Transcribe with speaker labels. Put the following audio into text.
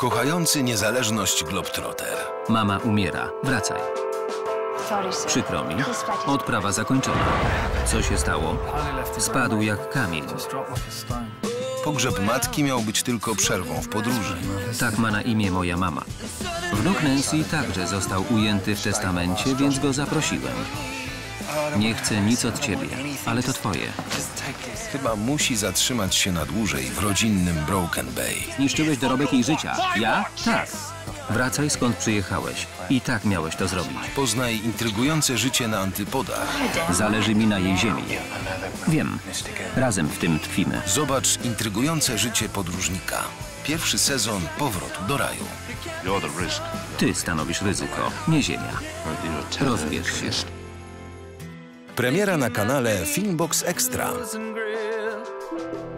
Speaker 1: Kochający niezależność Globetrotter.
Speaker 2: Mama umiera. Wracaj. Przykro mi. Odprawa zakończona. Co się stało? Spadł jak kamień.
Speaker 1: Pogrzeb matki miał być tylko przerwą w podróży.
Speaker 2: Tak ma na imię moja mama. Wnuk Nancy także został ujęty w testamencie, więc go zaprosiłem. Nie chcę nic od ciebie, ale to twoje.
Speaker 1: Chyba musi zatrzymać się na dłużej w rodzinnym Broken Bay.
Speaker 2: Zniszczyłeś dorobek jej życia. Ja? Tak. Wracaj skąd przyjechałeś. I tak miałeś to zrobić.
Speaker 1: Poznaj intrygujące życie na antypodach.
Speaker 2: Zależy mi na jej ziemi. Wiem. Razem w tym tkwimy.
Speaker 1: Zobacz intrygujące życie podróżnika. Pierwszy sezon Powrotu do raju.
Speaker 2: Ty stanowisz ryzyko, nie ziemia. Rozbierz się.
Speaker 1: Premiera na kanale Filmbox Extra.